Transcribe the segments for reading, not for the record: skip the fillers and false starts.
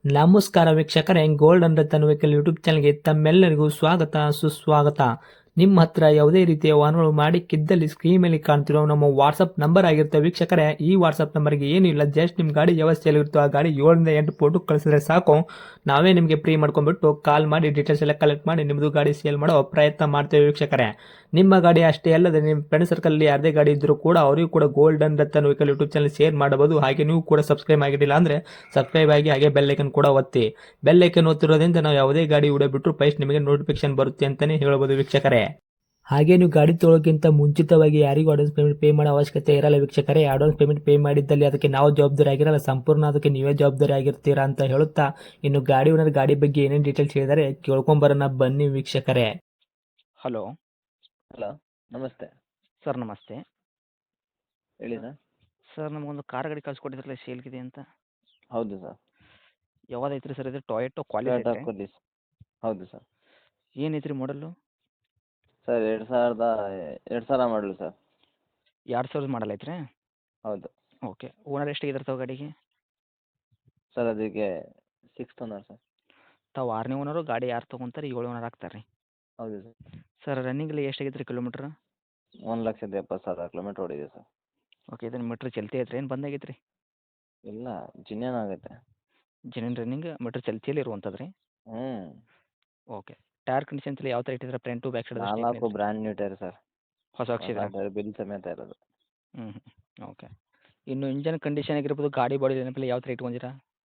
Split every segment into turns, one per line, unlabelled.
ನಮಸ್ಕಾರ ವೀಕ್ಷಕರೇ, gold and Ratan vehicle YouTube ಚಾನಲ್ಗೆ ತಮ್ಮೆಲ್ಲರಿಗೂ ಸ್ವಾಗತ ಸುಸ್ವಾಗತ. ನಿಮ್ಮ ಹತ್ರ ಯಾವುದೇ ರೀತಿಯ ವಾಹನಗಳು ಮಾಡಿಕ್ಕಿದ್ದಲ್ಲಿ ಸ್ಕ್ರೀನ್ ಮೇಲೆ ಕಾಣ್ತಿರೋ ನಮ್ಮ ವಾಟ್ಸಪ್ ನಂಬರ್ ಆಗಿರುತ್ತೆ ವೀಕ್ಷಕರೇ. ಈ ವಾಟ್ಸಪ್ ನಂಬರ್ಗೆ ಏನಿಲ್ಲ, ಜಸ್ಟ್ ನಿಮ್ಮ ಗಾಡಿ ವ್ಯವಸ್ಥೆಯಲ್ಲಿರುತ್ತೋ ಆ ಗಾಡಿ 7 ರಿಂದ 8 ಫೋಟೋ ಕಳಿಸಿದ್ರೆ ಸಾಕು, ನಾವೇ ನಿಮಗೆ ಫ್ರೀ ಮಾಡ್ಕೊಂಡ್ಬಿಟ್ಟು ಕಾಲ್ ಮಾಡಿ ಡೀಟೇಲ್ಸ್ ಎಲ್ಲ ಕಲೆಕ್ಟ್ ಮಾಡಿ ನಿಮ್ಮದು ಗಾಡಿ ಸೇಲ್ ಮಾಡೋ ಪ್ರಯತ್ನ ಮಾಡ್ತೇವೆ ವೀಕ್ಷಕರೇ. ನಿಮ್ಮ ಗಾಡಿ ಅಷ್ಟೇ ಅಲ್ಲದೆ ನಿಮ್ಮ ಫ್ರೆಂಡ್ ಸರ್ಕಲ್ ಯಾರದೇ ಗಾಡಿ ಇದ್ದರೂ ಕೂಡ ಅವರಿಗೂ ಕೂಡ gold and Ratan vehicle YouTube channel share ಮಾಡಬಹುದು. ಹಾಗೆ ನೀವು ಕೂಡ ಸಬ್ಸ್ಕ್ರೈಬ್ ಆಗಿರಲಿಲ್ಲ ಅಂದರೆ ಸಬ್ಸ್ಕ್ರೈಬ್ ಆಗಿ ಹಾಗೆ ಬೆಲ್ ಐಕನ್ ಕೂಡ ಒತ್ತಿ. ಬೆಲ್ ಐಕನ್ ಒತ್ತಿರೋದ್ರಿಂದ ನಾವು ಯಾವುದೇ ಗಾಡಿ ವಿಡಿಯೋ ಬಿಟ್ಟರು ಫಸ್ಟ್ ನಿಮಗೆ ನೋಟಿಫಿಕೇಶನ್ ಬರುತ್ತೆ ಅಂತಾನೆ ಹೇಳ್ಬೋದು ವೀಕ್ಷಕರೇ. ಹಾಗೆ ನೀವು ಗಾಡಿ ತೊಳೋಕ್ಕಿಂತ ಮುಂಚಿತವಾಗಿ ಯಾರಿಗೂ ಅಡ್ವಾನ್ಸ್ ಪೇಮೆಂಟ್ ಪೇ ಮಾಡೋ ಅವಶ್ಯಕತೆ ಇರಲ್ಲ ವೀಕ್ಷಕರೇ. ಅಡ್ವಾನ್ಸ್ ಪೇಮೆಂಟ್ ಪೇ ಮಾಡಿದ್ದಲ್ಲಿ ಅದಕ್ಕೆ ನಾವು ಜವಾಬ್ದಾರಿ ಆಗಿರಲ್ಲ, ಸಂಪೂರ್ಣ ಅದಕ್ಕೆ ನೀವೇ ಜವಾಬ್ದಾರಿ ಆಗಿರ್ತೀರಾ ಅಂತ ಹೇಳುತ್ತಾ, ಇನ್ನು ಗಾಡಿ ಓನರ್ ಗಾಡಿ ಬಗ್ಗೆ ಏನೇನು ಡೀಟೇಲ್ಸ್ ಹೇಳಿದರೆ ಕೇಳ್ಕೊಂಬರೋಣ ಬನ್ನಿ ವೀಕ್ಷಕರೇ.
ಹಲೋ
ಹಲೋ, ನಮಸ್ತೆ.
ಸರ್, ನಮಸ್ತೆ.
ಹೇಳಿ ಸರ್.
ಸರ್, ನಮಗೊಂದು ಕಾರ್ ಗಾಡಿ ಕಳ್ಸಿಕೊಟ್ಟಿದ್ರಲ್ಲ ಸೇಲ್ಗಿದೆ ಅಂತ.
ಹೌದು ಸರ್.
ಯಾವ್ದೈತ್ರಿ ಸರ್ ಇದು? ಟೊಯೋಟೋ ಕ್ವಾಲಿಟಿ
ಟೊಯೋಟಾ
ಐತ್ರಿ?
ಕೊಲ್ಲಿಸ್. ಹೌದು ಸರ್.
ಏನೈತ್ರಿ ಮಾಡಲು?
ಸರ್ 2000 ಮಾಡಲು ಸರ್.
2000 ಮಾಡಲ್ ಐತ್ರಿ?
ಹೌದು
ಓಕೆ. ಓನರ್ ಎಷ್ಟಾಗಿದ್ದಾರೆ ತಾವು ಗಾಡಿಗೆ?
ಸರ್, ಅದಕ್ಕೆ 6th ಓನರ್ ಸರ್.
ತಾವು 6ನೇ ಓನರು, ಗಾಡಿ ಯಾರು ತೊಗೊಂತಾರೆ 7 ಓನರ್ ಆಗ್ತಾರೆ ರೀ.
ಹೌದು ಸರ್.
ಸರ್, ರನ್ನಿಂಗಲ್ಲಿ ಎಷ್ಟಾಗೈತೆ ರೀ ಕಿಲೋಮೀಟ್ರ್?
1,70,000 ಕಿಲೋಮೀಟ್ರ್ ಓಡಿದೆ ಸರ್.
ಓಕೆ. ಇದನ್ನು ಮೀಟ್ರ್ ಚಲ್ತಿ ಐತ್ರಿ, ಏನು ಬಂದಾಗೈತೆ ರೀ?
ಇಲ್ಲ, ಜಿನ್ನೇನ್ ಆಗೈತೆ.
ಜೆನ್ಯೂನ್ ರನ್ನಿಂಗ್ ಮೀಟ್ರ್ ಚಲ್ತಿಯಲ್ಲಿ ಇರುವಂಥದ್ದು ರೀ?
ಹ್ಞೂ.
ಓಕೆ. ಟೈರ್ ಕಂಡೀಷನ್ಸ್ ಎಲ್ಲ ಯಾವ ಥರ ಇಟ್ಟಿದ್ರೆ? Front back side
4 brand new tyre sir.
ಹೊಸ ಹಾಕ್ಸಿದ್ರೆ?
ಟೈರ್ ಬಿಲ್ ಸಮೇತ ಇರೋದು.
ಹ್ಞೂ. ಓಕೆ. ಇನ್ನು ಇಂಜನ್ ಕಂಡೀಷನ್ ಆಗಿರ್ಬೋದು, ಗಾಡಿ ಬಾಡಿ ನೆನಪಿಲ್ಲ ಯಾವ ಥರ ಇಟ್ಕೊಂಡಿರಾ?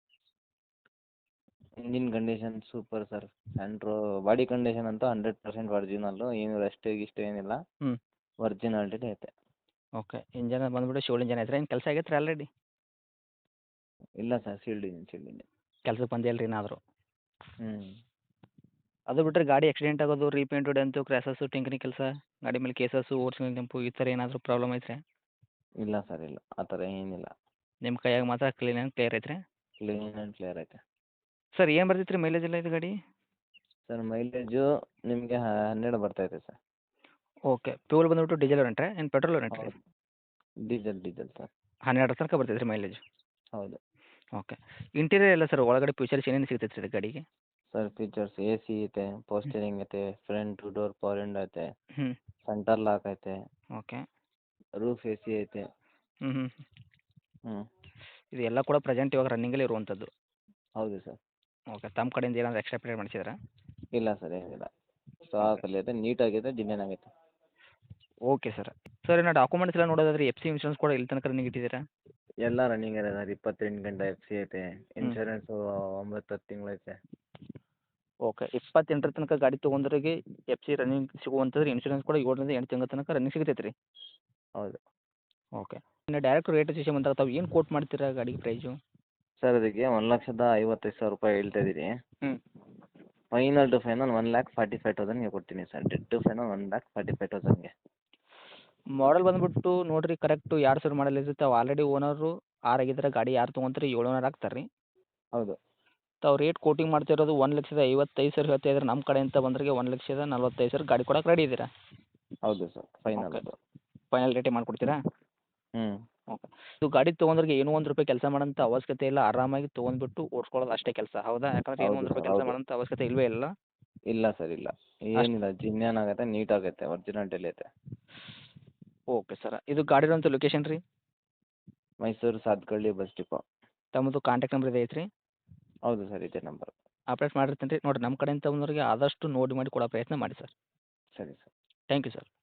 Engine condition super sir. Body condition ಅಂತೂ 100% ಒರಿಜಿನಲ್ಲು, ಏನು ರೆಸ್ಟ್ ಗಿಸ್ಟ್ ಏನಿಲ್ಲ.
ಹ್ಞೂ.
ಒರಿಜಿನಾಲಿಟಿ ಐತೆ.
ಓಕೆ. ಇಂಜನ್ ಬಂದ್ಬಿಟ್ಟು ಶಿವಲ್ ಇಂಜನ್ ಐತ್ರಿ? ಏನು ಕೆಲಸ ಆಗೈತೆ ರೀ ಆಲ್ರೆಡಿ?
ಇಲ್ಲ ಸರ್, ಸೀಲ್ಡ್ ಇಂಜಿನ್.
ಕೆಲ್ಸಕ್ಕೆ ಬಂದಿಲ್ಲ ರೀ ಏನಾದರೂ?
ಹ್ಞೂ.
ಅದು ಬಿಟ್ಟರೆ ಗಾಡಿ ಆಕ್ಸಿಡೆಂಟ್ ಆಗೋದು, ರೀಪೇಂಟು, ಡೆಂತು, ಕ್ರ್ಯಾಸಸ್ಸು, ಟಿಂಕರಿಂಗ್ ಕೆಲಸ, ಗಾಡಿ ಮೇಲೆ ಕೇಸಸ್ಸು, ಓಡಿಸಿದ ಕೆಂಪು, ಈ ಥರ ಏನಾದರೂ ಪ್ರಾಬ್ಲಮ್ ಐತ್ರಿ?
ಇಲ್ಲ ಸರ್, ಇಲ್ಲ, ಆ ಥರ ಏನಿಲ್ಲ.
ನಿಮ್ಮ ಕೈಯಾಗ ಮಾತ್ರ ಕ್ಲೀನ್ ಆ್ಯಂಡ್ ಕ್ಲಿಯರ್ ಐತ್ರಿ?
ಕ್ಲೀನ್ ಆ್ಯಂಡ್ ಕ್ಲಿಯರ್ ಐತೆ.
ಸರ್, ಏನು ಬರ್ತೈತೆ ರೀ ಮೈಲೇಜ್ ಎಲ್ಲ ಇದು ಗಾಡಿ?
ಸರ್, ಮೈಲೇಜು ನಿಮಗೆ 12 ಬರ್ತೈತೆ ಸರ್.
ಓಕೆ. ಫ್ಯೂಲ್ ಬಂದ್ಬಿಟ್ಟು ಡೀಸೆಲ್ ರೆಂಟ್ರಿ ಏನು ಪೆಟ್ರೋಲ್ ರೆಂಟ್ರಿ?
ಹೌದು. Diesel sir.
12 ತನಕ ಬರ್ತೈತೆ ರೀ ಮೈಲೇಜ್?
ಹೌದು.
ಓಕೆ. ಇಂಟೀರಿಯರ್ ಎಲ್ಲ ಸರ್ ಒಳಗಡೆ ಫೀಚರ್ಸ್ ಏನೇನು ಸಿಗ್ತೈತೆ ರೀ ಗಾಡಿಗೆ?
ಸರ್, ಫೀಚರ್ಸ್ AC ಐತೆ, ಪೋಸ್ಟರಿಂಗ್ ಐತೆ, ಫ್ರಂಟ್ ಡೋರ್ ಪವರ್ ವಿಂಡೋ ಐತೆ,
ಹ್ಞೂ.
ಸೆಂಟರ್ ಲಾಕ್ ಐತೆ,
ಓಕೆ.
ರೂಫ್ AC ಐತೆ.
ಹ್ಞೂ ಹ್ಞೂ.
ಹ್ಞೂ.
ಇದು ಎಲ್ಲ ಕೂಡ ಪ್ರೆಸೆಂಟ್ ಇವಾಗ ರನ್ನಿಂಗಲ್ಲಿ ಇರುವಂಥದ್ದು?
ಹೌದು ಸರ್.
ಓಕೆ. ತಮ್ಮ ಕಡೆಯಿಂದ ಏನಾದರೂ ಎಕ್ಸ್ಟ್ರಾ ಪೇಡ್ ಮಾಡಿಸಿದ್ರಾ?
ಇಲ್ಲ ಸರ್, ಏನಿಲ್ಲ. ಸ್ಟಾಕಲ್ಲಿ ಐತೆ, ನೀಟಾಗೈತೆ, ಜಿನ್ನೇನ್ ಆಗೈತೆ.
Okay sir. ಸರ್, ಇನ್ನು ಡಾಕ್ಯುಮೆಂಟ್ಸ್ ಎಲ್ಲ ನೋಡೋದಾದ್ರೆ FC ಇನ್ಶೂರೆನ್ಸ್ ಕೂಡ ಇಲ್ಲಿ ತನಕ ರನ್ನಿಂಗ್ ಇಟ್ಟಿದ್ದೀರಾ?
ಎಲ್ಲ ರನ್ನಿಂಗ್ ಇದೆ ಸರ್. 28 ಗಂಟೆ FC ಐತೆ. ಇನ್ಶೂರೆನ್ಸು 9-10 ತಿಂಗಳು ಐತೆ.
ಓಕೆ. 28 ತನಕ ಗಾಡಿ ತೊಗೊಂಡ್ರಿಗೆ FC ರನ್ನಿಂಗ್ ಸಿಗುವಂಥದ್ದು, ಇನ್ಶೂರೆನ್ಸ್ ಕೂಡ 7 ರಿಂದ 8 ತಿಂಗಳ ತನಕ ರನ್ನಿಂಗ್ ಸಿಗ್ತೈತೆ ರೀ?
ಹೌದು.
ಓಕೆ. ಇನ್ನು ಡೈರೆಕ್ಟ್ ರೇಟ್ ವಿಷಯ ಬಂದಾಗ ತಾವು ಏನು ಕೋಟ್ ಮಾಡ್ತೀರಾ ಗಾಡಿಗೆ ಪ್ರೈಸು?
ಸರ್, ಅದಕ್ಕೆ 1,55,000 ರೂಪಾಯಿ ಹೇಳ್ತಾ ಇದ್ದೀನಿ.
ಹ್ಞೂ.
ಫೈನಲ್ ಟು ಫೈನಲ್ 1,45,000ಗೆ ಕೊಡ್ತೀನಿ ಸರ್. ಡೆಡ್ ಟು ಫೈನಲ್ 1,45,000ಗೆ.
ಮಾಡಲ್ ಬಂದುಬಿಟ್ಟು ನೋಡಿರಿ, ಕರೆಕ್ಟು 2000 ಮಾಡಲ್ ಇರುತ್ತೆ. ತಾವು ಆಲ್ರೆಡಿ ಓನರು 6 ಆಗಿದ್ರೆ, ಗಾಡಿ ಯಾರು ತೊಗೊಂತಾರೆ 7 ಓನರ್ ಆಗ್ತಾರೆ ರೀ?
ಹೌದು.
ತಾವು ರೇಟ್ ಕೋಟಿಂಗ್ ಮಾಡ್ತಿರೋದು 1,55,000 ಹೇಳ್ತಾ ಇದ್ರೆ, ನಮ್ಮ ಕಡೆಯಿಂದ ಬಂದ್ರಿಗೆ 1,45,000 ಗಾಡಿ ಕೊಡೋಕೆ ರೆಡಿ ಇದ್ದೀರಾ?
ಹೌದು ಸರ್, ಫೈನಲ್
ಓಕೆ.
ಅದು.
ಫೈನಲ್ ರೇಟೇ ಮಾಡಿಕೊಡ್ತೀರಾ?
ಹ್ಞೂ.
ಓಕೆ. ಇದು ಗಾಡಿ ತೊಗೊಂಡ್ರಿಗೆ ಏನೂ ₹1 ಕೆಲಸ ಮಾಡೋಂಥ ಅವಶ್ಯಕತೆ ಇಲ್ಲ. ಆರಾಮಾಗಿ ತೊಗೊಂಡ್ಬಿಟ್ಟು ಓಡಿಸ್ಕೊಳ್ಳೋದು ಅಷ್ಟೇ ಕೆಲಸ, ಹೌದಾ? ಯಾಕಂದ್ರೆ ಏನೂ
ಹೌದು
₹1
ಸರ್,
ಕೆಲಸ
ಹೌದು.
ಮಾಡೋಂಥ ಅವಶ್ಯಕತೆ ಇಲ್ಲವೇ ಇಲ್ಲ?
ಇಲ್ಲ ಸರ್, ಇಲ್ಲ. ಏನಿಲ್ಲ, ಜಿನ್ನೇನ್ ಆಗೈತೆ, ನೀಟ್ ಆಗೈತೆ, ಒರಿಜಿನಾಲಿಟಿಲಿ ಐತೆ.
Okay sir. ಇದು ಗಾಡಿ ಇರೋಂಥ ಲೊಕೇಶನ್ ರೀ?
Mysuru Sathagalli bus depot.
ತಮ್ಮದು ಕಾಂಟ್ಯಾಕ್ಟ್ ನಂಬರ್ ಇದೆ ಐತ್ರಿ?
ಹೌದು ಸರ್, ಇದೇ ನಂಬರ್.
ಅಪ್ಡೇಟ್ ಮಾಡಿರ್ತೀನಿ ರೀ. ನೋಡಿರಿ, ನಮ್ಮ ಕಡೆಯಿಂದ ಬಂದವರಿಗೆ ಆದಷ್ಟು ನೋಡಿ ಮಾಡಿ ಕೊಡೋ ಪ್ರಯತ್ನ ಮಾಡಿ ಸರ್.
ಸರಿ ಸರ್.
Thank you sir.